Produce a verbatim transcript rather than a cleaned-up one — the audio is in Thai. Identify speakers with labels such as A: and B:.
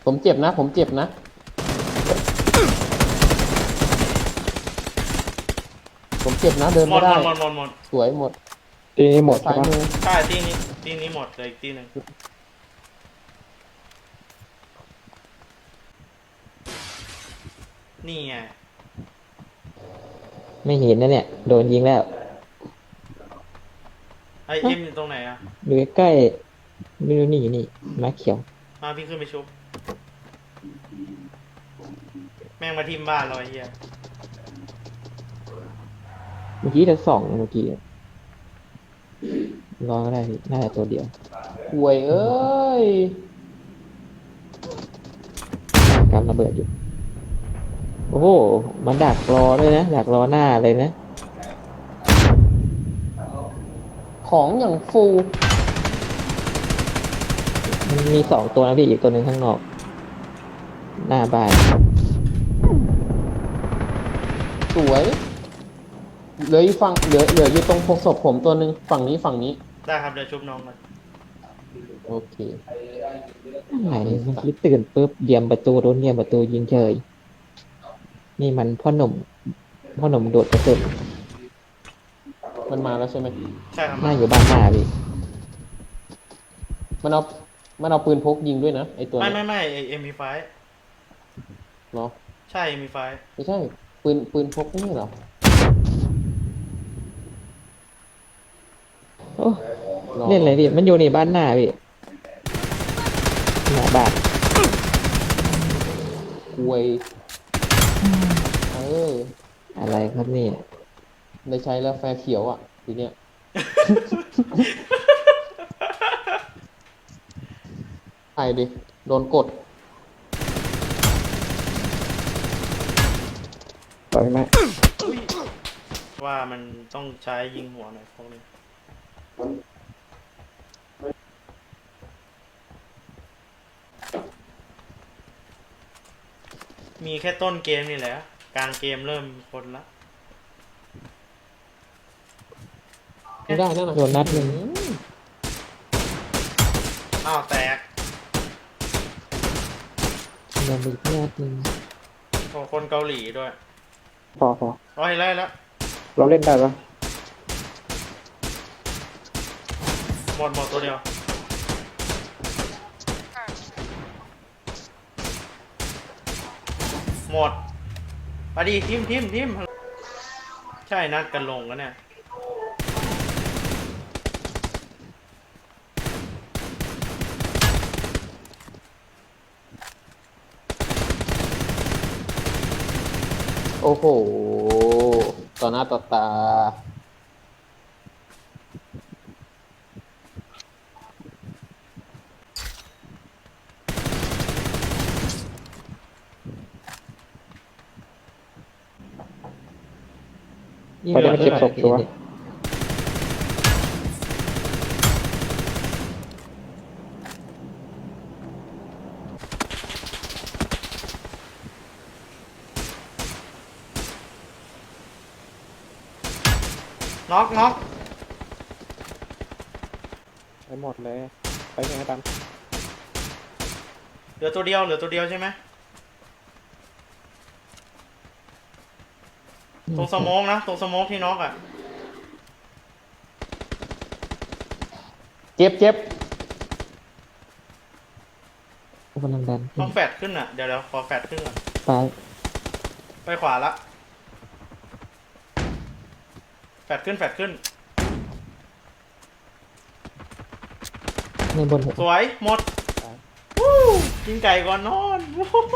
A: ผมเจ็บนะผมเจ็บนะผมเจ็บนะเดิน
B: หม
A: ไม่
B: ดหม
A: ได้
B: ดหมดหมดหมด
A: สวยหมด
C: ตีนี้หมด
A: ซ้า
C: ใช่
A: ย
C: ปะ
A: มือ
B: ใช่ตีนี้ตีนี้หมดเลยอีกตีหนึ่งนี่ไง
C: ไม่เห็นนะเนี่ยโดนยิงแล้ว
B: ไอเอ็มอยู่ตรงไหนอะ
C: ดูใกล้ๆไม่รู้นี่นี่ม้าเขียว
B: มาพี่ขึ้นไปชุบแม่งมาทิมบ้านเราไอ้เหี้ย
C: เมื่อกี้จะสองเมื่อกี้รอก็ได้พี่น่าจะตัวเดียว
A: ห่วยเอ้ย
C: การระเบิดอยู่โอ้โหมันดักรอด้วยนะดักรอหน้าเลยนะ
A: ของอย่างฟู
C: มันมีสองตัวนะพี่อีกตัวหนึ่งข้างนอก หน้าบ้าน
A: สวยเหลืออีกฝั่งเหลือเหลืออยู่ตรงพกศพผมตัวหนึ่งฝั่งนี้ฝั่งนี้
B: ได้ครับเดี๋ยวชุบน้องก่อน
A: โอเค
C: อะไรเมื่อกี้ตื่นปุ๊บเดียมประตูโดนเดียมประตูยิงเฉยนี่มันพ่อหนุ่มพ่อหนุ่มโดดกระสุน
A: มันมาแล้วใช่ไหม
B: ใช่ครับ
C: หน้าอยู่บ้านหน้าพี่
A: มันเอามันเอาปืนพกยิงด้วยนะไอตัว
B: ไม่
A: เนี้
B: ไม่
A: ย
B: ไม่เอ็มพีไฟ
A: เนาะ
B: ใช่เอ็มพีไฟ
A: ไม่ใช่ปืนปืนพกไม่ใช่เหรอ
C: โอ้เล่นอะไรพี่มันอยู่ในบ้านหน้าพี่หน้าบ้าน
A: ห่วยเออ
C: อะไรครับนี่
A: ได้ใช้แล้วแฟร์เขียวอ่ะทีเนี้ยไปดิโดนกด
C: ต่อยไหม
B: อุ๊ยว่ามันต้องใช้ยิงหัวหน่อยพวกนี้มีแค่ต้นเกมนี่แหละกลางเกมเริ่มคนละ
A: ไม่ได้นั่นน่ะ
C: โดนนัดหนึ่ง
A: อืม
B: อ้าวแตก
C: โดนอีกนัดหนึ่ง
B: โอ้คนเกาหลีด้วย
C: พอพอ
B: ร้อยแล้วแล้ว
C: เราเล่นได้ปะ
B: หมดหมดตัวเดียวหมดไปดิทิมทิมทิมใช่นัดกันลงกันเนี่ย
A: โอ้โหต่อหน้าต่อตา
C: เขาจะมาเก็บศพตัว
B: น็อกน็อก
C: ไปหมดเลยไปยังไงตัน
B: เหลือตัวเดียวเหลือตัวเดียวใช่ไหมตรงสโมองนะตรงสโมองที่น็อกอ่ะ
A: เจ็บเจ็บ
C: กำลังดัน
B: ต้องแฟดขึ้นอ่ะเดี๋ยวเดี๋ยวขอแฟดขึ้นก่อน
C: ซ้าย
B: ไปขวาละแฟดขึ้นแฟดขึ้น
C: ในบนหัว
B: สวยหมดวู้กินไก่ก่อนนอน